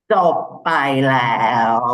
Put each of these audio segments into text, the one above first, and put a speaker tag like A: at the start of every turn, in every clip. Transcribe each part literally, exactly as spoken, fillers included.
A: จบไปแล้ว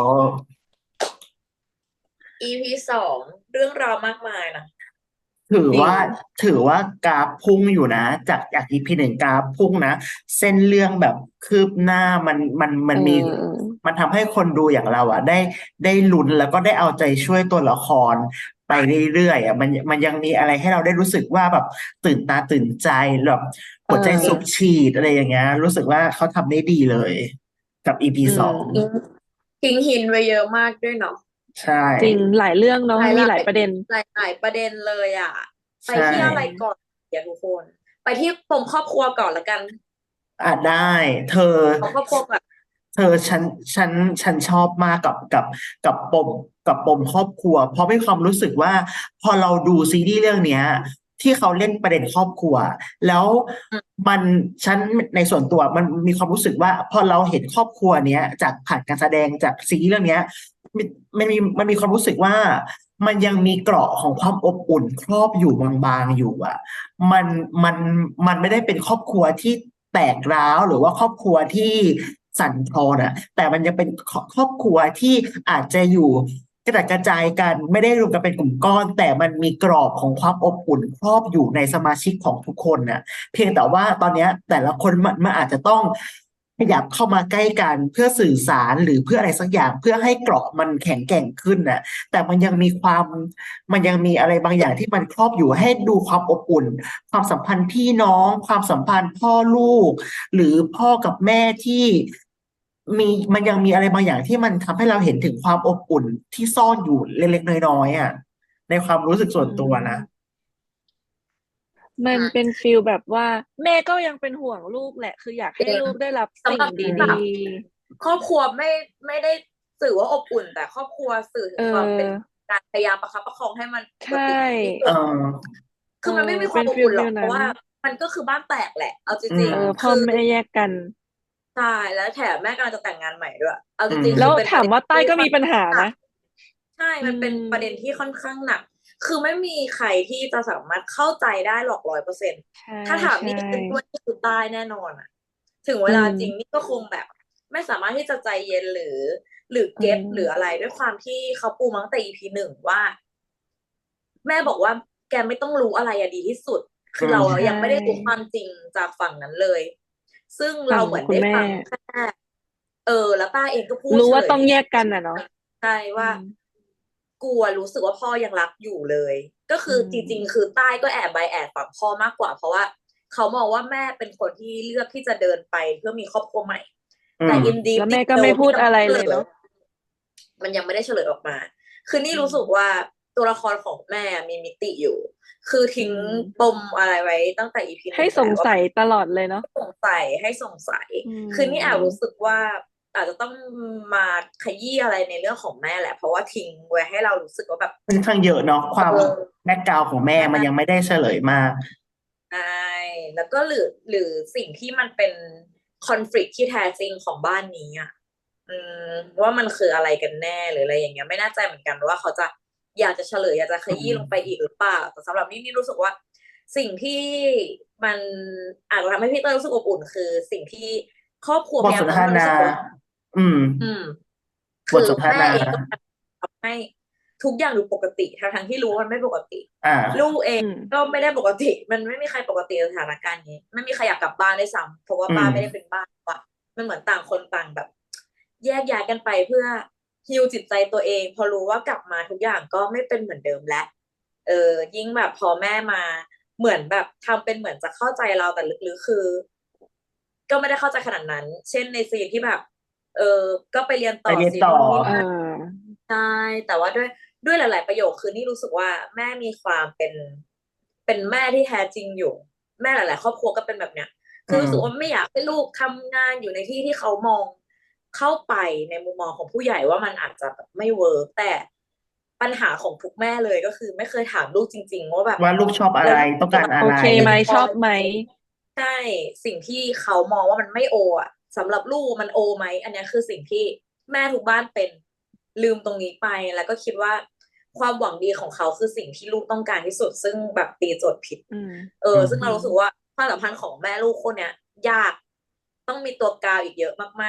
B: อี พี สองเรื่องราวมากมายนะ
A: ถือ
B: จริง
A: ว่าถือว่ากราฟพุ่งอยู่นะจากจาก อี พี หนึ่งกราฟพุ่งนะเส้นเรื่องแบบคืบหน้ามันมันมั
C: เ
A: นมี
C: ออ
A: มันทำให้คนดูอย่างเราอ่ะได้ได้ลุ้นแล้วก็ได้เอาใจช่วยตัวละครไปเรื่อยๆอ่ะมันมันยังมีอะไรให้เราได้รู้สึกว่าแบบตื่นตาตื่นใจแบบ
C: เอ
A: หัวใจสูบ
C: อ
A: ฉีดอะไรอย่างเงี้ยรู้สึกว่าเขาทำได้ดีเลยกับ อี พี
C: อื
A: สอง
B: ทิ้ง
C: ม
B: ทิ้งหินไว้เยอะมากด้วยเนาะ
A: ใช่
C: จริงหลายเรื่องเนาะมี
B: หลายหลาย
C: หลายประเด็น
B: หลายหลายประเด็นเลยอ่ะไป
A: ใช่
B: ที่อะไรก่อนเดี๋ยวทุกคนไปที่ปมครอบครัวก่อนละกัน
A: อ่ะได้เธอ
B: เอาครอบครัวก่อน
A: เธอฉันฉันฉันชอบมากกับกับกับปมกับปมครอบครัวเพราะมีความรู้สึกว่าพอเราดูซีรีส์เรื่องเนี้ยที่เขาเล่นประเด็นครอบครัวแล้ว
B: อืม
A: มันฉันในส่วนตัวมันมีความรู้สึกว่าพอเราเห็นครอบครัวเนี้ยจากผ่านการแสดงจากซีรีส์เรื่องเนี้ยมันมันมีมันมีความรู้สึกว่ามันยังมีเกราะของความอบอุ่นครอบอยู่บางๆอยู่อ่ะ มันมันมันไม่ได้เป็นครอบครัวที่แตกร้าวหรือว่าครอบครัวที่สั่นคลอนอ่ะแต่มันยังเป็นครครอบครัวที่อาจจะอยู่กระจัดกระจายกันไม่ได้รวมกันเป็นกลุ่มก้อนแต่มันมีกรอบของความอบอุ่นครอบอยู่ในสมาชิกของทุกคนน่ะเพียงแต่ว่าตอนเนี้ยแต่ละคนมันมันอาจจะต้องขยับเข้ามาใกล้กันเพื่อสื่อสารหรือเพื่ออะไรสักอย่างเพื่อให้เกราะมันแข็งแกร่งขึ้นน่ะแต่มันยังมีความ มันยังมีอะไรบางอย่างที่มันครอบอยู่ให้ดูความอบอุ่นความสัมพันธ์พี่น้องความสัมพันธ์พ่อลูกหรือพ่อกับแม่ที่มีมันยังมีอะไรบางอย่างที่มันทำให้เราเห็นถึงความอบอุ่นที่ซ่อนอยู่เล็กๆน้อยๆอ่ะในความรู้สึกส่
C: อื
A: วนตัวนะ
C: มมันเป็น
B: อ่า
C: ฟิลแบบว่าแม่ก็ยังเป็นห่วงลูกแหละคืออยาก
B: จริง
C: ให้ลูกได้รับสิ่ง
B: สำหรับ
A: อื
C: ดี
B: สำหรับ
A: ม
B: ครอบครัวไม่ไม่ได้สื่อว่าอบอุ่นแต่ครอบครัวสื่อ
C: ๆเอ
B: ถึงความเป็น
C: อ
B: การพยายามประคับประคองให้มันป
C: ใช
B: กติที่
C: ่
B: สุ
A: เอ
B: ด
A: อ
C: เออ
B: คือมันไม่มีควา
C: เป็นฟิล
B: มอบอุ่นหร
C: ฟิลนั้น
B: อกเพราะว่ามันก็คือบ้านแตกแหละเอาจ
A: อื
B: ริง
C: เออ
A: ม
B: ๆคือ
C: พ่อแม่แยกกัน
B: ใช่แล้วแถมแม่กำลังจะแต่งงานใหม่ด้วยเอา
A: อื
B: จริงๆคือ
C: แล้ว
B: เป็นประเด็น
C: ถามว่าใต้
B: ที่ค่อน
C: ก็มีปัญหานะ
B: ข้างหนักใช่
C: อื
B: มันเป็นประเด็น
C: ม
B: ที่ค่อนข้างหนักคือไม่มีใครที่จะสามารถเข้าใจได้หรอกร้อยเปอร์เซ็นต์
C: ใช่
B: ถ้าถาม
C: ใช่
B: นี่เป็นด้วยนี่คือตายแน่นอนอะถึงเว
C: อื
B: ลาจริงนี่
C: ม
B: ก็คงแบบไม่สามารถที่จะใจเย็นหรือหรือ
C: เอ
B: เก็ตหรืออะ
C: อ
B: ไรด้วยความที่เขาปูมาตั้งแต่ อี พี หนึ่งว่า แม่บอกว่าแกไม่ต้องรู้อะไรอะดีที่สุด
A: อื
B: คือเรา
C: ใช
B: ยังไม่ได้รู้ความ
C: ่
B: จริงจากฝั่งนั้นเลยซึ่งเรา
C: ฝั่ง
B: เหมือน
C: คุณแม่
B: ได้ฟังแค่เออแล้วป้าเองก็พูด
C: รู้
B: เฉลยใน
C: ว่าต้องแย
B: อี
C: กกันอ่ะเนาะ
B: ใช่ว่า
C: อืม
B: กลัวรู้สึกว่าพ่อยังรักอยู่เลยก็
C: อื
B: คือจริงๆ
C: ม
B: คือใต้ก็แอบใบแอบฝั่งพ่อมากกว่าเพราะว่าเขามองว่าแม่เป็นคนที่เลือกที่จะเดินไปเพื่อมีครอบครัวใหม่แต่
A: อืม
B: in deep
C: แล้วแม่ก็
B: detail
C: ไม่พู
B: ที่ยังไม่
C: ดอะไร
B: เฉลย
C: เลยเนาะ
B: มันยังไม่ได้เฉลยออกมา คือนี่
C: อืม
B: รู้สึกว่าตัวละครของแม่มีมิติอยู่ คือ
C: อื
B: ทิ้งป
C: ม
B: มอะไรไว้ตั้งแต่ อี พี ห
C: ให้
B: นึ่งแล้วว่า
C: สงสัยตลอดเลยเนาะ
B: สงสัยให้สงสัย
C: อื
B: คือนี่แอบรู้
C: ม
B: สึกว่าอาจจะต้องมาขยี้อะไรในเรื่องของแม่แหละ เพราะว่าทิ้งไว้ให้เรารู้สึกว่าแบบ
A: ค่อนข้างเยอะเนาะความ
B: เออ
A: แบ็กกราวของแม่มันยังไม่ได้เฉลยมาก
B: ใช่แล้วก็หรือหรือสิ่งที่มันเป็นคอนฟ lict ที่แท้จริงของบ้านนี้อ่ะ อืมว่ามันคืออะไรกันแน่หรืออะไรอย่างเงี้ยไม่แน่ใจเหมือนกันว่าเขาจะอยากจะเฉลยอยากจะข
A: อื
B: ยี้ลงไป
A: ม
B: อีกหรือเปล่าแต่สำหรับนี่นี่รู้สึกว่าสิ่งที่มันอาจจะทำให้พี่เต้ยรู้สึกอบอุ่นคือสิ่งที่ครอบครัว
A: บทส
B: พยายามทำให้มันรู้
A: นทนา
B: สึกว่า
A: อืม
B: อืมคือ
A: บทสนท
B: แม่
A: นา
B: เองก็ทำให้ทุกอย่างดูปกติทั้งทั้งที่รู้ว่ามันไม่ปกติ
A: อ่
B: ลู
A: า
B: กเอง
C: อืม
B: ก็ไม่ได้ปกติมันไม่มีใครปกติในสถานการณ์นี้ไม่มีใครอยากกลับบ้านได้วยซ้ำเพราะว่า
A: อืม
B: บ้านไม่ได้เป็นบ้านว่ะมันเหมือนต่างคนต่างแบบ แยกย้ายกันไปเพื่อฮีลจิตใจตัวเองพอรู้ว่ากลับมาทุกอย่างก็ไม่เป็นเหมือนเดิมแล้วเออยิ่งแบบพอแม่มาเหมือนแบบทำเป็นเหมือนจะเข้าใจเราแต่ลึกๆคือก็ไม่ได้เข้าใจขนาดนั้นเช่นในซีนที่แบบเออก็ไปเรียน
A: ไป
B: ต่อ
A: เรียนต่อ
B: สินู่นนี่
C: เอ
B: นั่น
C: อ
B: ใช่แต่ว่าด้วยด้วยหลายๆประโยคคือนี่รู้สึกว่าแม่มีความเป็นเป็นแม่ที่แท้จริงอยู่แม่หลายๆครอบครัวก็เป็นแบบเนี้ย
A: อื
B: คือรู้สึกว่า
A: ม
B: ไม่อยากให้ลูกทำงานอยู่ในที่ที่เขามองเข้าไปในมุมมองของผู้ใหญ่ว่ามันอาจจะแบบไม่เวิร์กแต่ปัญหาของทุกแม่เลยก็คือไม่เคยถามลูกจริงๆว่าแบบ
A: ว่าลูกชอบอะไร
B: แล้วลูก
A: ต้องการอะไร
C: โอเค
B: เอน
C: ไหม
B: จอย
C: ชอบไหม
B: ใช่สิ่งที่เขามองว่ามันไม่โออ่ะสำหรับลูกมันโอไหมอันเนี้ยคือสิ่งที่แม่ทุกบ้านเป็นลืมตรงนี้ไปแล้วก็คิดว่าความหวังดีของเขาคือสิ่งที่ลูกต้องการที่สุดซึ่งแบบตีโจทย์ผิด
C: อืม
B: เออ
A: อืม
B: ซึ่ง
C: อืม
B: เรารู้สึกว่าความสัมพันธ์ของแม่ลูกคนเนี้ยยากต้องมีตัวกลางอีกเยอะมาก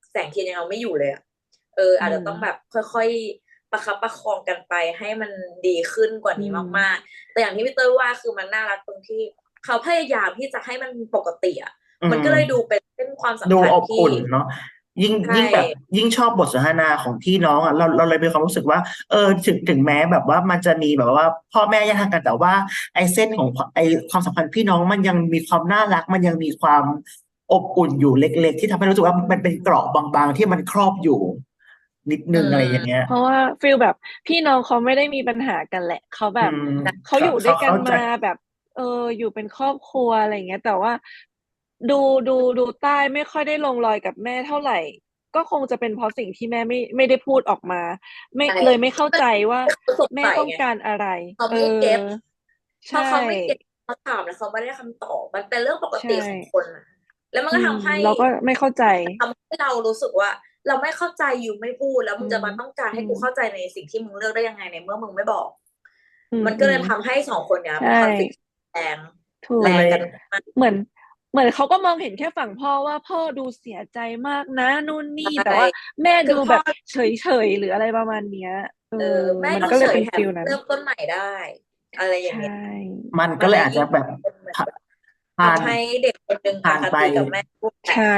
B: แสงเทียนยังเอาไม่อยู่เลยอะเออ อาจจะต้องแบบค่อยๆประคับประคองกันไปให้มันดีขึ้นกว่านี้มากๆ แต่อย่างที่พี่เต้ยว่าคือมันน่ารักตรงที่เขาพยายามที่จะให้มันปกติอะ
A: อื
B: มัน
A: ม
B: ก็เลยดูเป็นเส้นความสัม
A: ดู
B: พัน
A: อ
B: ธ์
A: บ
B: ที่
A: อุ่นเนาะยิ่ง
B: ใช่
A: ยิ่งแบบยิ่งชอบบทสนทนาของพี่น้องอ่ะเราเราเลยมีความรู้สึกว่า เออถึงถึงแม้แบบว่ามันจะมีแบบว่า พ่อแม่แยกทางกันแต่ว่า ไอ้เส้นของไอ้ความสัมพันธ์พี่น้องมันยังมีความน่ารัก มันยังมีความอบอุ่นอยู่เล็กๆที่ทำให้รู้สึกว่ามันเป็นเกราะบางๆที่มันครอบอยู่ นิด
B: อื
A: นึงอะไร
B: ม
A: อย่างเงี้ย
C: เพราะว่าฟีลแบบพี่น้องเขาไม่ได้มีปัญหากันแหละเขาแบ
A: อื
C: บ
A: ม
C: เขา
A: เขา
C: อยู่ด้
A: เขา
C: วยกัน
A: เข้าใจ
C: มาแบบ เออ อยู่เป็นครอบครัวอะไรอย่างเงี้ย แต่ว่า ดูดูดูใต้ไม่ค่อยได้ลงรอยกับแม่เท่าไหร่ ก็คงจะเป็นเพราะสิ่งที่แม่ไม่ไม่ได้พูดออกมา ไม่
B: ใช่
C: เลยไม่เข้าใจว่า
B: เขาสง
C: แม่
B: สัย
C: ต้อง
B: ไง
C: การอะไร
B: เขา
C: เอ
B: ไม่เก็ต
C: อ
B: พ
C: ใช
B: อเขาไม่เก็ต
C: ่
B: เขาถามแล้วเขาไม่ได้คำตอบ มันเป็นเรื่องปก
C: ใช
B: ติของ
C: ่
B: คนน่ะ แล้วมัน
C: อื
B: ก็
C: ม
B: ทำให้
C: เราก็ไม่เข้าใจ
B: ทำให้เรารู้สึกว่า เราไม่เข้าใจยูไม่พูด แล้ว
C: อ
B: มึ
C: อื
B: งจะมาต้องการ
C: อื
B: ให้กูเข้าใจในสิ่งที่มึงเลือกได้ยังไงในเมื่อมึงไม่บอก
C: อื
B: มันก็เลย
C: ม
B: ทำให้ สอง คนเนี้ย
C: ใช่
B: มี คอนฟลิกต์ แรง
C: ถู
B: แร
C: ก
A: มันเลย
B: งกันมาก
C: เหมือน เหมือนเขาก็มองเห็นแค่ฝั่งพ่อว่า พ่อดูเสียใจมากนะนู่นน
B: ใชี่
C: แต่ว่าแม่
B: คื
C: ดู
B: อ
C: แ
B: พ่อ
C: บบเฉย ๆ หรืออะไรประมาณเนี้ย เอ
B: เอ
C: อ
B: อ แม่
C: มัน
B: ดู
C: ก็เล
B: เฉ
C: ยเป็
B: ย
C: น
B: แถม
C: ฟีลนั้น
B: เริ่มต้นใหม่ได้ อะไรอ
C: ใ
B: ย่า
C: ช
B: งเงี้ย
C: ่
A: มัน
B: ม
A: กั็
B: น
A: เล
B: เลย ย
A: อาจ
B: ยิ่
A: จะ
B: ง
A: แบบ
B: เป็นเหมือน
A: ผ
B: แบบ
A: ผ่าน
B: ทำให้เด็กคนหนึ่ง
A: ผ
B: อ่
A: าน
B: ค
A: ไป
B: ติกับแม่ ปุ๊บ
C: ใช่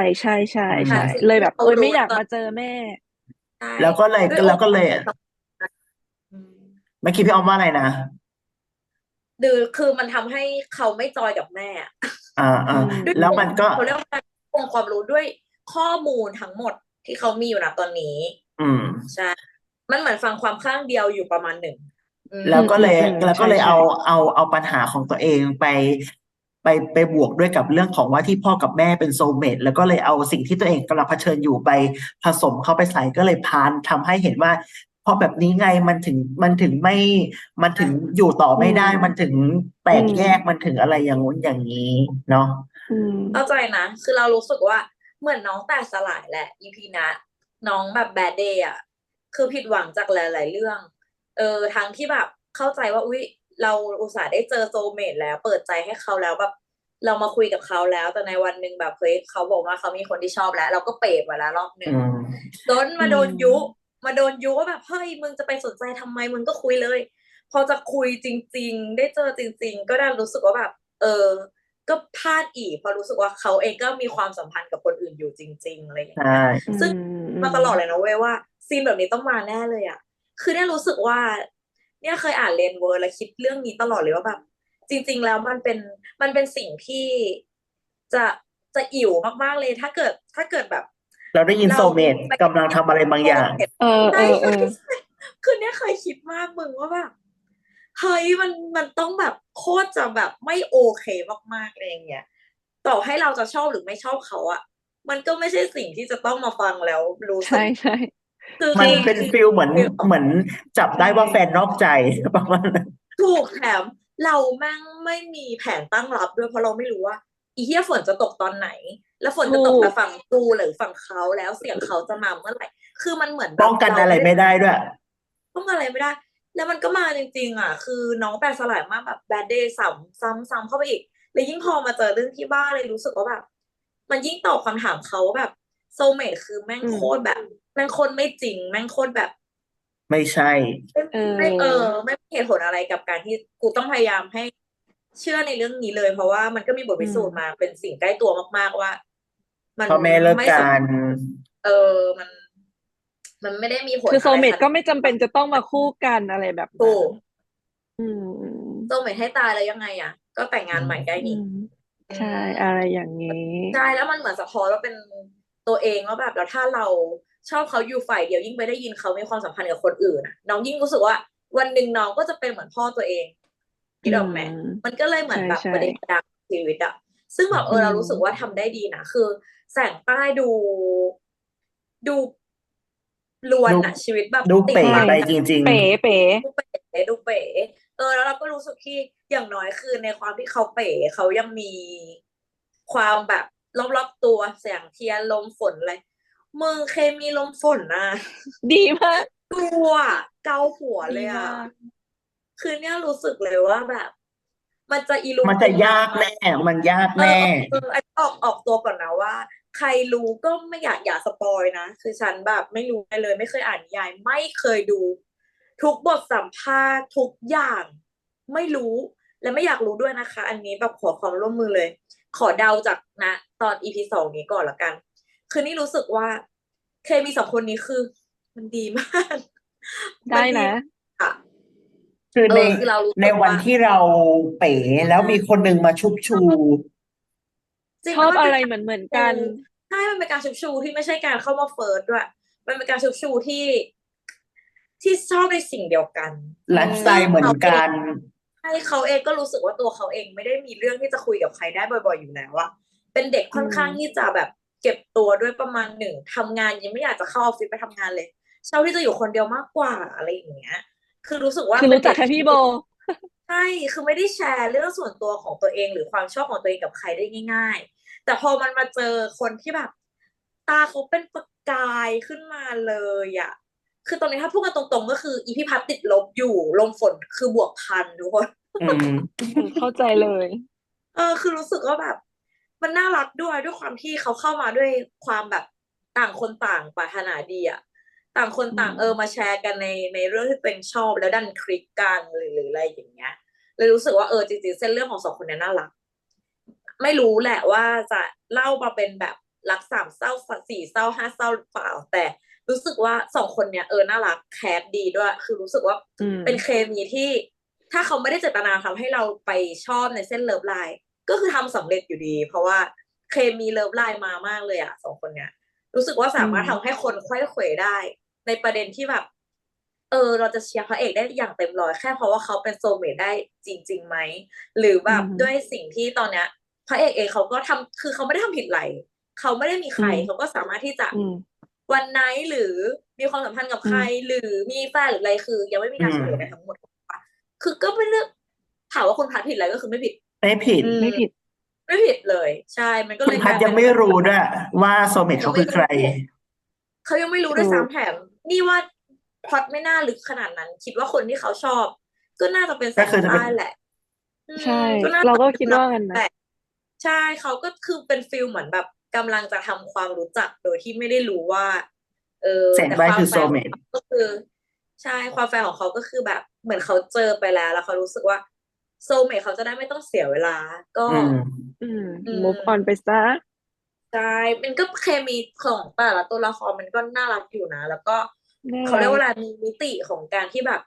C: ๆ
B: หา
C: ๆ
B: สิ่ง
C: ๆ เลย
B: ที่
C: แบบ
B: เขา
C: โอ๊ย
B: รู
C: ไม่
B: ้
C: อยาก
B: ตอ
C: มาน เจอแม่
B: ใช่
A: แล้วก็เลย
B: ด้วย
A: แล้วก็เลย
B: โอกาส อืม
A: เมื่อกี้พี่ออมว่าอะไรนะ?
B: ดือ คือมันทำให้เขาไม่จอยกับแม่อะ
A: อา
C: อืม
A: ๆ
B: ด้วย
A: แล้วมันก็
B: เขาเรียกว่าอะไร องค์ความรู้ด้วยข้อมูลทั้งหมดที่เขามีอยู่ ณ ตอนนี้
A: อืม
B: ใช่ มันเหมือนฟังความข้างเดียวอยู่ประมาณหนึ่ง อืม
A: แล้วก็เลย
C: อืม ๆ ๆ
A: แล้วก็เลย
C: ใช
A: เอา
C: ่ ๆ
A: เอา เอาปัญหาของตัวเองไป ไป ไปบวกด้วยกับเรื่องของว่าที่พ่อกับแม่เป็น โซลเมต แล้วก็เลยเอาสิ่งที่ตัวเองกำลังเผชิญอยู่ไปผสมเข้าไปใส่ ก็เลยพาล ทำให้เห็นว่า เพราะแบบนี้ไงมันถึง มันถึงไม่ มันถึงอยู่ต่อ
C: อื
A: ไม่ได้
C: ม
A: มันถึงแต
C: อื
A: กแยก
C: ม
A: มันถึงอะไรอย่างงู้นอย่างงี้เนาะ
C: อืม
B: เข้าใจนะ คือเรารู้สึกว่า เหมือนน้องแตกสลายแหละ อี พี เนี้ย น้องแบบ Bad Day อะ คือผิดหวังจากหลาย ๆ เรื่อง เออ ทั้งที่แบบเข้าใจว่า อุ๊ย เราอุตส่าห์ได้เจอ โซลเมต แล้ว เปิดใจให้เขาแล้ว แบบเรามาคุยกับเขาแล้ว แต่ในวันหนึ่งแบบ เฮ้ย เขาบอกว่าเขามีคนที่ชอบแล้ว เราก็เป๋ไปแล้วรอบหน
A: อึ
B: ่
A: ื
B: ง
A: ม
B: จน
C: อื
B: มาโดนยุ
C: ม
B: มาโดนยุว่าแบบ เฮ้ย มึงจะไปสนใจทำไม มึงก็คุยเลย พอจะคุยจริง ๆ ได้เจอจริง ๆ ก็ดันรู้สึกว่าแบบ เออ ก็พลาดอีก เพราะรู้สึกว่า เขาเองก็มีความสัมพันธ์กับคนอื่นอยู่จริง ๆ อะไรอย่า
A: ใช
B: งเงี้ย
C: อื
B: ซึ่ง
C: อื
B: มาตลอดเลยนะเว้ยว่า ซีนแบบนี้ต้องมาแน่เลยอะ คือเนี่ยรู้สึกว่า เนี่ยเคยอ่าน Rainworld แล้วคิดเรื่องนี้ตลอดเลยว่าแบบ จริง ๆ แล้วมันเป็น มันเป็นสิ่งที่จะ จะอิ๋วมาก ๆ เลย ถ้าเกิด ถ้าเกิดแบบ
A: เราได้ยิน
B: เรา
A: โซลเมต
B: ไป
A: กำลังทำอะไรบางอย่าง
C: เออ
B: ใช่
C: ๆ ๆ
B: ๆ ๆ คือเนี่ยเคยคิดมากมึงว่าแบบ เฮ้ย มัน มันต้องแบบโคตรจะแบบไม่โอเคมาก ๆ อะไรอย่างเงี้ย ต่อให้เราจะชอบหรือไม่ชอบเขาอะ มันก็ไม่ใช่สิ่งที่จะต้องมาฟังแล้วรู้
C: ใช
B: สึก
C: ่ ๆ
B: คือ
A: มัน
B: คือ
A: เป็น
B: คือ
A: ฟีลเหมือน
B: ฟีล
A: เหมือนจับ
C: ใช
A: ได้ว่าแฟ่นนอกใจ ประมาณนั้น
B: ถูก แถมเราแม่งไม่มีแผนตั้งรับด้วย เพราะเราไม่รู้ว่า อีเหี้ย ฝนจะตกตอนไหน แล้วฝน
C: ถ
B: จะ
C: ู
B: ตกแต่
C: ก
B: ฝั่งกูหรือฝั่งเขา แล้วเสียงเขาจะมาเมื่อไหร่ คือมันเหมือนแบ
A: ป้
B: บ
A: องกัน
B: เรา
A: อะ
B: ไ
A: ไร
B: ม่ได้
A: ไม่ได้ด้วย
B: ป้องกันอะไรไม่ได้ แล้วมันก็มาจริง ๆ อะ คือน้องแตกสลายมากแบบ Bad Day ซ้ำ ซ้ำ ๆ เข้าไปอีก แล้วยิ่งพอมาเจอเรื่องที่บ้านเลยรู้สึกว่าแบบ มันยิ่งตอบคำถามเขาว่าแบบ โซลเมต คือแม่ง
C: อืม
B: โคตรแบบ แม่งโคตรไม่จริง แม่งโคตรแบบ
A: ไม่ใช่
B: ไม่
C: เอ
B: ไม่ เออ
C: อ
B: ไม่มีเหตุผลอะไรกับการที่กูต้องพยายามให้เชื่อในเรื่องนี้เลย เพราะว่ามันก็มีบท
C: อื
B: พิสูจน์
C: ม
B: มาเป็นสิ่งใกล้ตัวมาก ๆ ว่า มัน
A: พ่อแม่เลิก
B: ไม่
A: ก
B: ส
A: ัน
B: เออ มัน มันไม่ได้มีผ
C: ค
B: ลื
C: อ โซ
B: อะ
C: ล
B: ไร
C: เมต
B: ขน
C: ก็
B: าด
C: ไม่จำเป็นจะต้องมาคู่กัน อะไรแบบ
B: ถ
C: นั
B: ู
C: ้น
B: ก
C: อืม
B: โซลเมต ให้ตายแล้วยังไงอะ ก็แต่งง
A: อื
B: านใหม่ได้
A: ม
C: อื
B: นี่
C: ม
B: อื
C: ใช่
B: ม
C: อะไรอย่างงี้
B: ใช่ แล้วมันเหมือนสะท้อนว่าเป็นตัวเองว่าแบบ แล้วถ้าเราชอบเขาอยู่ฝ่ายเดียว ยิ่งไปได้ยินเขามีความสัมพันธ์กับคนอื่นอะ น้องยิ่งรู้สึกว่า วันหนึ่งน้องก็จะเป็นเหมือนพ่อตัวเอง
C: อื
B: นึกออกไหม
C: ม
B: มันก็เลยเหมือนแบบ
C: ใช่
B: ประเดประดังชีวิตอะ ซึ่งแบบ เอ
C: อื
B: อ เรารู้สึก
C: ม
B: ว่าทำได้ดีนะ คือแสงใต้ดู ดู รว
A: ด
B: นูอะ ชีวิตแบบ
A: ดู
B: ติ
A: เป
B: ด
A: ๋
C: ใช่
B: บัง
A: ไป
B: กัน
A: จริง
C: เป๋
A: ๆ
C: เป๋
B: ดูเป๋ ดูเป๋ เออ แล้วเราก็รู้สึกที่ อย่างน้อยคือในความที่เขาเป๋ เขายังมีความแบบรอบ ๆ ตัว แสงเทียน ลมฝนอะไร มึง เคมีลมฝนน่ะ
C: ดีมาก
B: ดูอะ เกาหัว
C: ด
B: เลียอ
C: ม
B: ะ
C: าก
B: คือเนี่ยรู้สึกเลยว่าแบบ มันจะอิรุ
A: ม
B: งั
A: น
B: ป
A: จะ
B: ึง
A: ย
B: นัง
A: าก
B: ไหม
A: แน่ มันยาก
B: เอ
A: แน่
B: อ ๆ ๆ อันนี้ออก ออกตัวก่อนนะว่า ขรรู้ก็ไม่อยากอย่าสปอยนะคือฉันแบบไม่รู้อะไรเลยไม่เคยอ่านนิยายไม่เคยดู ทุกบทสัมภาษณ์ทุกอย่างไม่รู้และไม่อยากรู้ด้วยนะคะ อันนี้แบบขอความร่วมมือเลย ขอเดาจากนะตอนอีพีสองนี้ก่อนละกัน คือนี่รู้สึกว่าเคมีสองคนนี้คือ มันดีมาก
C: ได้
B: มันดี
C: นะ
B: มากอะ
A: คือ
B: เอ
A: ใน
B: อคือเรารู้
A: ใน
B: สึก
A: วัน
B: ว่า
A: ที่เราเป๋แล้วมีคนหนึ่งมาชุบชู
B: จริง
C: ช
B: แล้
C: อ
B: ว
C: บ
B: มัน
C: อะ
B: เป็น
C: ไร
B: การ
C: เหมือน ๆ
B: ชู
C: กัน
B: ใช่ มันเป็นการชุบชูที่ไม่ใช่การเข้ามาเฟิร์สด้วย มันเป็นการชุบชูที่ ที่ชอบในสิ่งเดียวกัน
C: เอ
A: ไลฟ์สไต
C: อ
A: ล์เหมือนกัน
B: ใช่ เขาเองก็รู้สึกว่าตัวเขาเองไม่ได้มีเรื่องที่จะคุยกับใครได้บ่อย ๆ อยู่แล้วอะ เป็นเด็ก
C: อื
B: ค่อนข้าง
C: ม
B: ที่จะแบบเก็บตัวด้วยประมาณหนึ่ง ทำงานยังไม่อยากจะเข้าออฟฟิศไปทำงานเลย ชอบที่จะอยู่คนเดียวมากกว่า อะไรอย่างเงี้ย คือรู้สึกว่า
C: คือ
B: เป็
C: รู
B: น
C: ้
B: เ
C: จ
B: ดั็
C: ก
B: ก
C: แค่
B: ท
C: พี่โบ
B: ใช่ คือไม่ได้แชร์เรื่องส่วนตัวของตัวเอง หรือความชอบของตัวเองกับใครได้ง่าย ๆ แต่พอมันมาเจอคนที่แบบ ตาเขาเป็นประกายขึ้นมาเลยอะ คือตอนนี้ถ้าพูดกันตรง ๆ ก็คืออีพี่พัดติดลบอยู่ ลมฝนคือบวก พัน ทุกคน
A: อืม
C: เออ เข้าใจเลย
B: เออ คือรู้สึกว่าแบบ มันน่ารักด้วย ด้วยความที่เขาเข้ามาด้วยความแบบต่างคนต่างปรารถนาดีอะ ต่างคน
C: อื
B: ต่าง เออ
C: ม
B: มาแชร์กันใน ในเรื่องที่ตัวเองชอบ แล้วดันคลิกกัน หรือ หรืออะไรอย่างเงี้ย เลยรู้สึกว่า เออ จริง ๆ เส้นเรื่องของ สอง คนเนี้ยน่ารัก ไม่รู้แหละว่าจะเล่ามาเป็นแบบรักสามเศร้า ส สี่ เศร้า ห้า เศร้าหรือเปล่า แต่รู้สึกว่า สอง คนเนี้ย เออ น่ารัก แคสดีด้วย คือรู้สึกว่า
C: อื
B: เป็น
C: ม
B: เคมีที่ ถ้าเขาไม่ได้เจตนาทำให้เราไปชอบในเส้นเลิฟไลน์ ก็คือทำสำเร็จอยู่ดี เพราะว่าเคมีเลิฟไลน์มามากเลยอะ สอง คนเนี้ย รู้สึกว่า
C: อื
B: สามารถท
C: ม
B: ำให้คนไขว้เขวได้ ในประเด็นที่แบบ เออ เราจะเชียร์พระเอกได้อย่างเต็มร้อย แค่เพราะว่าเขาเป็น โซลเมต ได้จริง ๆ ไหม หรือ
C: อ
B: แ
C: ื
B: บบ
C: อฮึ
B: ด้วยสิ่งที่ตอนเนี้ย พระเอกเองเขาก็ทำ คือเขาไม่ได้ทำผิดไร เขาไม่ได้มีใคร
C: อืม
B: เขาก็สามารถที่จะ
C: อืม
B: one night หรือมีความสัมพันธ์กับ
C: อื
B: ใคร
C: ม
B: หรือมีแฟนหรืออะไร คือยังไม่มี
A: อื
B: การเฉลยอะไร
A: ม
B: ทั้งหมด ถูกเปล่า คือก็เป็นเรื่อง ถามว่าคุณพัดผิดไหม ก็คือไม่ผิด
A: ไม่ผิด
B: อื
C: ไม่
B: ม
C: ผิด
B: ไม่ผิดเลย ใช่ มันก็
A: คุ
B: เ
A: ณพ
B: ลยกัลา
A: ดย
B: ยเ
A: ั
B: ป็น
A: งไม่
B: แบบ
A: รู้ด้วยว่า โซลเมต
B: ย
A: เขัา
B: งไ
A: ค
B: ม่
A: ือ
B: ร
A: ใคร
B: ู้ เขายังไม่รู้
C: ถ
B: ด้วย
C: ู
B: ซ้
C: ก
B: ำ แถมนี่ว่าพล็อตไม่น่าลึกขนาดนั้น คิดว่าคนที่เขาชอบ ก็น่าจะเป็น
A: ก
B: ส็าย
A: คือจ
B: ใต
A: ะเป็
B: ้
A: น
B: แหละ อื
C: ใช่
B: ม ก็น่า
C: เราก็
B: จะเป็น
C: คิด
B: แน
C: ว่างั้นน
B: แห
C: ะ
B: ละ ใช่ เขาก็คือเป็นฟีลเหมือนแบบกำลังจะทำความรู้จักโดยที่ไม่ได้รู้ว่า เออ
A: แสงใต้คือ
B: แต่ความแฟ
A: โซลเมต
B: ร์ของเขา ก็คือ ใช่ ความแฟร์ของเขาก็คือแบบเหมือนเขาเจอไปแล้ว แล้วเขารู้สึกว่า โซลเมต เขาจะได้ไม่ต้องเสียเวลา ก็
A: อืม
C: อืม
B: อืม
C: move on ไปเสีย
B: ใช่ มันก็เคมีของแต่ละตัวละครมันก็น่ารักอยู่นะ แล้วก็
C: น่า
B: เขาเรี
C: ร
B: ยกัว่า
C: ก
B: อะไร มีมิติของการที่แบบ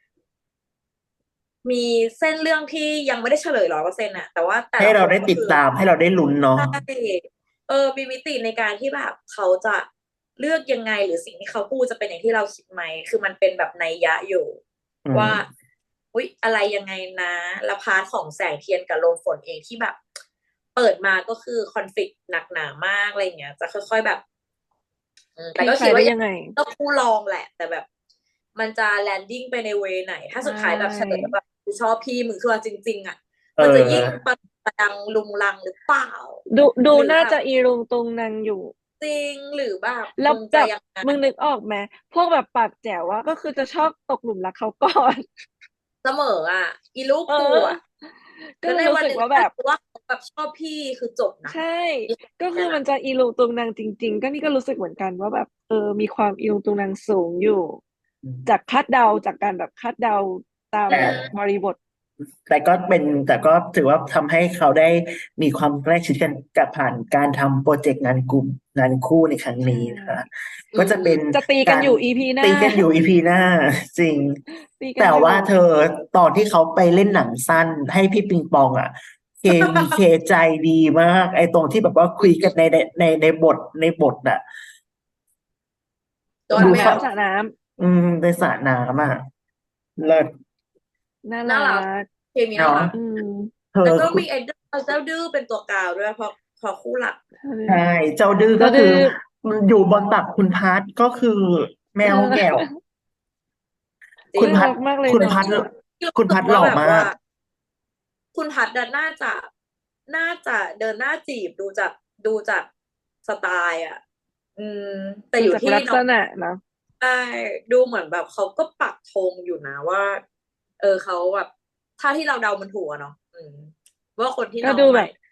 B: มีเส้นเรื่องที่ยังไม่ได้เฉลย ร้อยเปอร์เซ็นต์ อะ แต่ว่าแต่
A: ให้เราได้
B: ละคนก็ คือ
A: ติดตาม ให้เราได้ลุ้นเนาะ
B: ใช่ เออ มีมิติในการที่แบบเขาจะเลือกยังไง หรือสิ่งที่เขาพูดจะเป็นอย่างที่เราคิดไหม คือมันเป็นแบบนัยยะอยู่
A: อื
B: ว่า
A: ม
B: อุ๊ย อะไรยังไงนะ แล้ว พาร์ต ของแสงเทียนกับลมฝนเองที่แบบ เปิดมาก็คือ conflict หนักหนามาก อะไรอย่างเงี้ย จะค่อย ๆ แบบ อืม
C: ค
B: แต่
C: ลี่คล
B: ก็คิ
C: า
B: ดว่
C: ยได้
B: า ยั
C: ยังไง
B: ต้องคู่รองแหละ แต่แบบมันจะ landing ไปในเวย์ไหน ถ้า
C: ใช
B: สุดท้ายแบบเฉลยแล้ว
C: ่
B: แบบ "กูชอบพี่มึง" คือเอาจริง ๆ อะ
A: เอ
B: มันจะยิ่ง
A: อ
B: ประ ประดังรุงรังหรือเปล่า
C: ดู ดูน่าจ
B: หรือแบบ
C: ะอีรุงตุงนังอยู่
B: จริง หรือแบบ
C: แล้
B: ม
C: ว
B: ึง
C: แ
B: จ
C: บ
B: ะ
C: บ
B: ยังไง
C: มึงนึกออกไหม พวกแบบปากแจ๋วอะ ก็คือจะชอบตกหลุมรักเขา ก่อน
B: เสมออะ อีลูก
C: เออ
B: กูอะ
C: ก
B: แ
C: ็
B: ล้วในวันหนึ่ง
C: เลยรู้สึกว่า
B: ถ
C: แ
B: ้
C: บ
B: า
C: บ
B: รู้ว่าเขาแบบชอบพี่คือจบนะ
C: ใช่
B: อี
C: ก็
B: เ
C: ค
B: นี
C: ื
B: ่ยน
C: อมั
B: ะ
C: นจะอีรุงตุงนังจริง ๆ ก็นี่ก็รู้สึกเหมือนกันว่าแบบ เออ มีความอีรุงตุงนังสูงอยู่
A: อืม
C: จากคาดเดา จากการแบบคาดเดาตาม
B: อื
A: แต่
B: ม
C: บริบท
A: แต่ก็เป็น แต่ก็ถือว่าทำให้เขาได้มีความใกล้ชิดกัน กับผ่านการทำพรอเจกต์งานกลุ่ม งานคู่ในครั้ง
C: ใช่
A: นี้นะคะ
B: อื
A: ก็จะเป็น
B: ม
C: จะตี
A: ก
C: กัน
A: าร
C: อยู่ อี พี หน้า
A: ตีกันอยู่ อี พี หน้า จริง
C: ตีกั
A: แต
C: น่อยู่
A: ว่าเธอ ตอนที่เขาไปเล่นหนังสั้นให้พี่ปิงปองอะ เคมี เคใจดีมาก ไอ้ตรงที่แบบว่าคุยกันใน ใน ใน ในบท ในบทอะ
B: โดน
C: สระน
B: แมว
C: ้ำ สระน้ำ
A: อืม ในสระน้ำอะ เลิศ
C: น่า
B: น่
C: รั
B: ารัก
C: ก
B: เคมี
A: เน
B: น่า
A: าะ
B: รัก
C: อืม
A: เธอ ค
B: แล้วก็มุีไอ้เจ้า เจ้าดื้อเป็นตัวกลางด้วย เพราะ เพราะคู่หลัก
A: ใช่ เจ้าดื้อ
C: เจ
A: ก้็
C: า
A: ค
C: ดื
A: ื
C: ้
A: อ
C: อ
A: มันอยู่บนตักคุณพัด ก็คือแม
C: เออ
A: วแหง่ว
B: จร
A: คิุณ
B: ง
A: พ
C: น่า
A: ั
C: ร
A: ด
C: ักมากเลย
A: คุณ
C: เนา
A: พัด
C: ะ
B: ที่รู้
A: คุณ
B: สึกว
A: พัดห่
B: า
A: ล่อม
B: แบบว่า
A: าก
B: คุณพัดอะน่าจะ น่าจะเดินหน้าจีบ ดูจาก ดูจากสไตล์อะ อืม แต่
C: ดู
B: อยู่ที่
C: จากลักษ
B: น้อง
C: ณะเนาะ
B: ใช่ ดูเหมือนแบบเขาก็ปักธงอยู่นะว่า เออ เขาแบบ ถ้าที่เราเดามันถูกอะเนาะ อืม ว่าคนที่
C: ก็
B: น้องหม
C: ดูแบ
B: าย
C: บ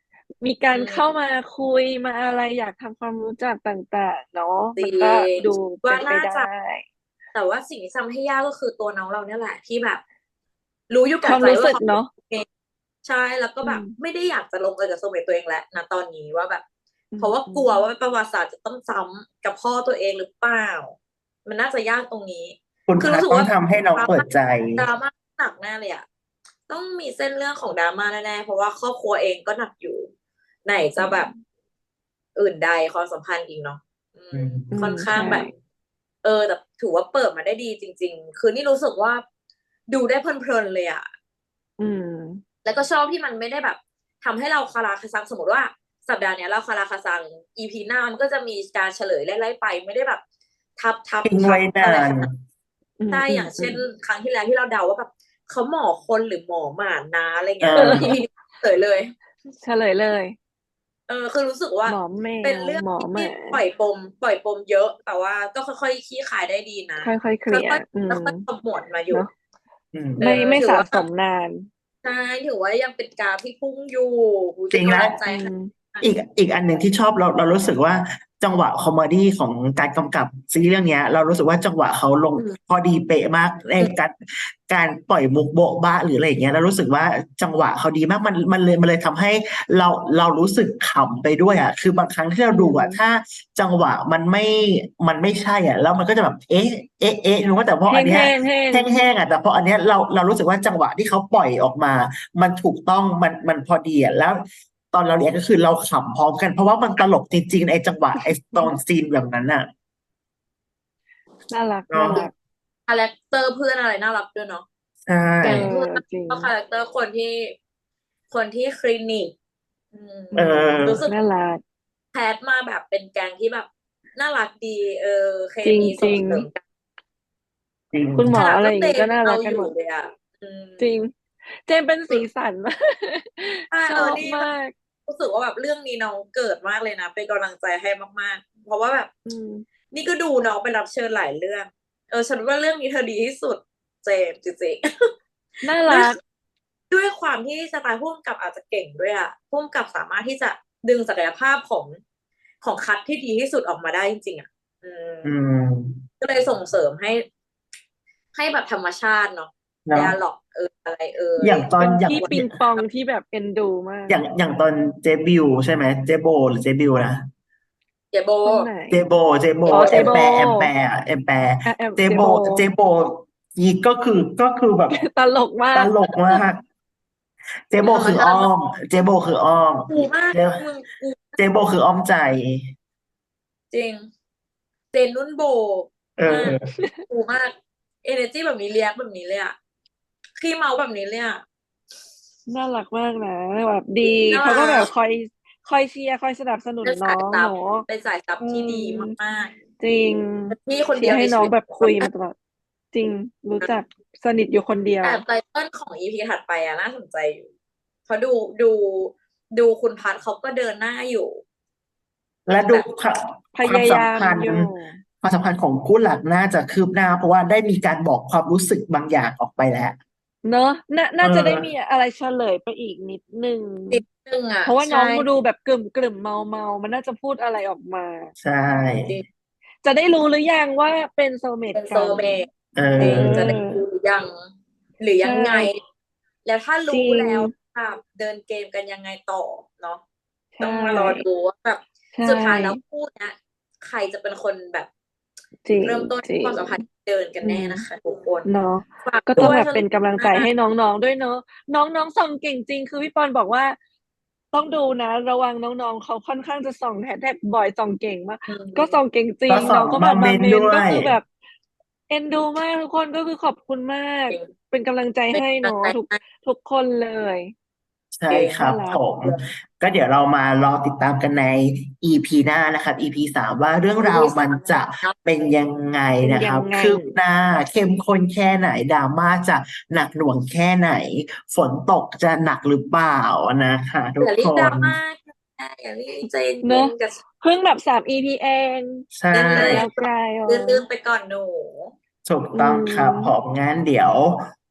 C: มีการ
B: อื
C: เข้ามมาคุยมาอะไรอยากทำความรู้จักต่างๆเนาะ
B: จริ
C: มันก็
B: ง
C: ดู
B: ว่า
C: เป็นไป
B: น่า
C: ได้
B: จะ แต่ว่าสิ่งที่ทำให้ยากก็คือตัวน้องเราเนี่ยแหละที่แบบ รู้อยู่
C: ค
B: แก่
C: วาม
B: ใจ
C: รู้
B: ว่า
C: สึก
B: เขา
C: เนาะ
B: เองใช่แล้วก็
C: อื
B: แบบ
C: ม
B: ไม่ได้อยากจะลงเอยกับโซลเมตตัวเองแล้วณตอนนี้ว่าแบบ
C: อื
B: เพราะว่า
C: อื
B: กลัว
C: ม
B: ว่าประวัติศาสตร์จะต้องซ้ำกับพ่อตัวเองหรือเปล่า มันน่าจะยากตรงนี้
A: คุณ
B: คือ
A: พั
B: รู้สึก
A: ต้อ
B: ว่
A: ง
B: า
A: ทำให้น้องเปิดใจ
B: drama หนักแน่เลยอะ ต้องมีเส้นเรื่องของ drama แน่ๆ เพราะว่าครอบครัวเองก็หนักอยู่ ไหนจะแบบ อื่นใดความสัมพันธ์อีกเนาะ อื
A: อื
B: ม
A: ม
C: อื
B: ค่อน
C: ม
B: ข้า
C: ใช
B: งแบบ
C: ่
B: เออ แต่ถือว่าเปิดมาได้ดีจริง ๆ คือนี่รู้สึกว่า ดูได้เพลิน ๆ เลยอะ
C: อืม
B: แล้วก็ชอบที่มันไม่ได้แบบทำให้เราคาราคาซัง สมมุติว่า สัปดาห์เนี้ยเราคาราคาซัง อี พี หน้ามันก็จะมีการเฉลยไล่ ๆ ไป ไม่ได้แบบทับ
A: ทิ้ง
B: ๆ
A: ไว้
B: ๆ
A: นา
B: อะไร ข
A: น
B: นาด
C: อื
B: ใช่ อย่างเช่น
C: ม ๆ ๆ
B: ครั้งที่แล้วที่เราเดาว่าแบบเขาหมอคนหรือหมอหมานะ อะไร
A: เ
B: เงี้ย อี
A: ออ
B: พี นี้ เฉลยเลย
C: เฉลยเลย
B: เออ คือรู้สึกว่า
C: หมอแม
B: เป็น
C: ว
B: เรื่อง
C: หมอ
B: ที่
C: หมา
B: ปล่อยปม ปล่อยปมเยอะ แต่ว่าก็ค่อย ๆ คลี่คลายได้ดีนะ
C: ค่อย ๆ เค
B: ค
C: ล่ียร์
B: อย
C: อื
B: ๆ
C: ม
B: ค่อย ๆ ขมวดมาอยู
C: เน่าะ
A: อืม
B: เอ
C: ไม่
B: อ
C: ไม่
B: ถือ
C: สะ
B: ว่า
C: สมนาน
B: ใช่ ถือว่ายังเป็นกราฟที่พุ่งอยู่ โอ้โฮ
A: จริง
B: เป็นก
A: แล้
B: ำ
A: ว
B: ลังใจ
C: อื
B: ให้
C: ม
A: อีก อีกอันหนึ่งที่ชอบ เรา เรารู้สึกว่า จังหวะคอเมดีของการกำกับซีรีส์เรื่องเนี้ย เรารู้สึกว่า จังหวะเขาลง
B: อืม
A: พอดีเป๊ะมาก ใน
B: อืม
A: การ การปล่อยมุกโบ๊ะบ๊ะ หรืออะไรอย่างเงี้ย เรารู้สึกว่า จังหวะเขาดีมาก มัน มันเลย มันเลยทำให้เรา เรารู้สึกขำไปด้วยอะ คือบางครั้งที่เรา
C: อื
A: ดูอะ
C: ม
A: ถ้าจังหวะมันไม่ มันไม่ใช่อะ แล้วมันก็จะแบบ เอ๊ะ เอ๊ะ ๆ รู้ว่า แต่พอ
C: แ
A: อันเนี้ย
C: ห้ง ๆ ๆ
A: แห้ง ๆ อะ แต่พออันเนี้ยเรา เรารู้สึกว่า จังหวะที่เขาปล่อยออกมา มันถูกต้อง มัน มันพอดีอะ แล้วตอนเรา รีแอกต์ ก็คือเราขำพร้อมกัน เพราะว่ามันตลกจริง ๆ ไอ้จังหวะ ไอ้ตอนซีนแบบนั้นน่ะ
C: น่ารัก
A: เน
C: น่า
A: าะ
C: รัก
B: คาแรคเตอร์เพื่อนอะไรน่ารักด้วยเนาะ
A: ใช่
C: เอ
B: แก๊
C: อ
B: ง เพื่อน
C: จริง
B: ก็คาแรคเตอร์คนที่ คนที่คลินิก อืม
C: อื
A: เออ
B: รู้สึก
C: น่ารัก
B: แคสต์มาแบบเป็นแก๊งที่แบบน่ารักดี เออ เค
C: จริง
B: มี
C: จ
B: ส
C: ร่
B: ง
C: ง
B: เสริมกัน
A: จริง
C: คุณหมอ
B: ขนาด
C: อะ
B: ต
C: ไร้อ
B: อง
C: ย่าง
B: เจ
C: งี้ ก็
B: มส์
C: น่า
B: ยัง
C: ร
B: เอัาอย
C: กกันหมู่ด
B: เลยอะ อืม
C: จริง เจมส์เป็น
B: เ
C: ส
B: อีอ
C: สัน มาก
B: ใช่
C: ช
B: เออ
C: อบ
B: นี่
C: ม
B: แบบ
C: าก
B: รู้สึกว่าแบบเรื่องนี้น้องเกิดมากเลยนะ เป็นกำลังใจให้มาก ๆ เพราะว่าแบบ
C: อืม
B: นี่ก็ดูน้องไปรับเชิญหลายเรื่อง เออ ฉันว่าเรื่องนี้เธอดีที่สุด เจมส์ จริง ๆ
C: น่า
B: ด้
C: ร
B: วย
C: ัก
B: ด้วยความที่สไตล์ผู้กำกับอาจจะเก่งด้วยอะ ผู้กำกับสามารถที่จะดึงศักยภาพของ ของคัตที่ดีที่สุดออกมาได้จริง ๆ อะ อืม
A: อืม
B: ก็เลยส่งเสริมให้ ให้แบบธรรมชาติเนาะ
A: เนาะ
B: dialogue เอย อะไรเอย
A: อย่างตอ
C: เป
A: น
C: ็น
A: อย่า
C: พี่
A: ง
C: ปิงปองที่แบบเอ็นดูมาก
A: อย่าง อย่างตอนเจ๊บิว ใช่ไหม เจ๊โบ หรือเจ๊บิวนะ?
B: เจ๊โบ
C: คนไหน?
A: เจ๊โบ เจ๊โบ
C: อ๋อ เจ
A: แอม
C: โบ
A: แปร์ แอมแปร์อะ แอมแปร์
C: อา แอม
A: เจ๊
C: เจ
A: โบ
C: โบ
A: เจ๊โบ อีก ก็คือ ก็คือแบบ
C: ตลกมา
A: ต
C: ก
A: ลกมาก เจ๊โบ
B: ธรรม
A: คือ
B: ชา
A: อ้
B: ติ
A: อม เจ๊โบคืออ้อม
B: กูมาก
A: เจ๊
B: มึง กู
A: เจ๊โบคืออ้อมใจ
B: จริง เจนนุ่นโบ
A: เอ
B: มาก
A: อ
B: กูมาก เอเนอร์จีแบบนี้ รีแอกต์แบบนี้เลยอะ ขี้เมาท์แบบนี้เลยอะ
C: น่ารักมากนะ แบบดี
B: น่า
C: เขาก็แบ
B: รับ ก
C: คอย คอยเชียร์ คอยสนับสนุ
B: เป
C: น็
B: น
C: น
B: ส้า
C: อ
B: ย
C: ง
B: ซั
C: เ
B: บ
C: นาะ
B: เป็นสายซับ
C: อื
B: ที่ดี
C: ม
B: มาก
C: จริง
B: ๆ เป็นพี่คน
C: เช
B: เดี
C: ี
B: ย
C: ร์
B: ว
C: ให
B: ใ
C: ้น้
B: นช
C: อีง
B: วิต
C: แบบคุยมาตลอด จริง รู้จัก สนิทอยู่คนเดีย
B: แต
C: ว
B: ่ไตเติลของ อี พี ถัดไปอะน่าสนใจอยู่ เพราะดู ดู ดูคุณพัดเขาก็เดินหน้าอยู่
A: และดู
B: แบบ
A: ควา
C: พ
A: ความ
C: ยาย
A: สัม
C: า
A: พ
C: มั
A: นธ์
C: อยู่
A: ความสัมพันธ์ของคู่หลักน่าจะคืบหน้า เพราะว่าได้มีการบอกความรู้สึกบางอย่างออกไปแล้ว
C: เนาะ น่า
A: เ
C: น่าจะได้มี
A: ออ
C: อะไรเฉลยไปอีกนิดหนึ่ง
B: นิดหนึ่งอะ
C: เพราะว่า
B: ใช
C: น้อง
B: ่
C: ดูแบบกรึ่ม ๆ เมา ๆ มันน่าจะพูดอะไรออกมา
A: ใช่
B: จริง
C: จะได้รู้หรือยังว่าเป็นโซลเม
B: เป
C: ต็
B: น
C: กัน?
B: soulmate
A: เอ
B: จริง จะ
A: อ
B: ได้รู้ หรือยัง หรือ
C: ใช
B: ยังไง
C: ่
B: แล้วถ้า
C: จร
B: รู้
C: ิง
B: แล้วแบบเดินเกมกันยังไงต่อเนาะ
C: ใช
B: ต้องมารอดู
C: ่
B: ว่าแบบ
C: ใช่
B: สุดท้ายแล้วคู่เนี้ย ใครจะเป็นคนแบบ
C: จริง
B: เริ่มต้น
C: จริ
B: คว
C: ง
B: ามสัมพันธ์เดินกัน
C: อืม
B: แน่นะคะทุกคน
C: เนาะ
B: ฝาก
C: ก็
B: ด
C: ต้อ้
B: วย
C: งแบบ
B: ส
C: เป็นกำลังใจ
B: มาก
C: ให้น้อง ๆ ด้วยเนาะ น้อง ๆ ส่องเก่งจริง คือพี่ปอนบอกว่า ต้องดูนะ ระวังน้อง ๆ เขาค่อนข้างจะส่องแฮชแท็กบ่อย ส่องเก่งมาก
B: อื
C: ก็ส่อ
B: ม
C: งเก่งจริ
A: ก็
C: ง
A: ส่อง
C: น้องก็แ
A: ม
C: บ
A: า
C: บ
A: เม
C: มา
A: ้น
C: เมนต์ ก็
A: ด้วย
C: คือแบบเอ็นดูมาก ทุกคน ก็คือขอบคุณมาก
B: จริง
C: เป็นกำลังใจ
B: เป็น
C: ให้
B: กำ
C: เ
B: ล
C: นั
B: ง
C: าะ
B: ใจ
C: ทุก
B: ให้
C: ทุกคนเลย
A: ใช่ค
C: น่
A: รั
C: า
A: บ
C: รัก
A: ผม ก็เดี๋ยวเรามารอติดตามกันใน อี พี หน้านะครับ อี พี สาม ว่าเรื่องราว
B: อี พี
A: มัน
B: สาม
A: จะ
B: เนาะ
A: เป็นยังไง
C: เป็นย
A: นะคัรับ
C: งไง?
A: คืบหน้า เข้มข้นแค่ไหน drama จะหนักหน่วงแค่ไหน ฝนตกจะหนักหรือเปล่านะคะทุ
B: อย่ารี
A: กค
B: บ
A: น
B: drama ค่ะ อย่ารีบ ใจ
C: เ
B: เ
C: น
B: ย็
C: าะ
B: น ๆ กับ
C: เพิ่งแบบ สาม อี พี เอง
A: ใช่
B: เล่น
C: อีก
B: ๆ
C: ยาวไกล เออ
B: ลื่น ๆ ไปก่อนหนู
A: ถูก
C: อื
A: ต้องครับผ
C: ม
A: ม งั้นเดี๋ยว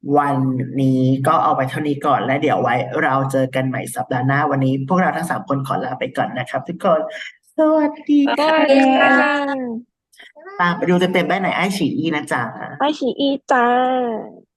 A: วันนี้ก็เอาไปเท่านี้ก่อนและเดี๋ยวไว้เราเจอกันใหม่สัปดาห์หน้าวันนี้พวกเราทั้งสามคนขอลาไปก่อนนะครับทุกคนสวัสดี
C: ส
A: ค่ะ
C: วัสดีค่ะ
A: ตามไปดูเต็มๆได้ในไอฉีอีนะจ๊ะ
C: ไอชีอีจ้า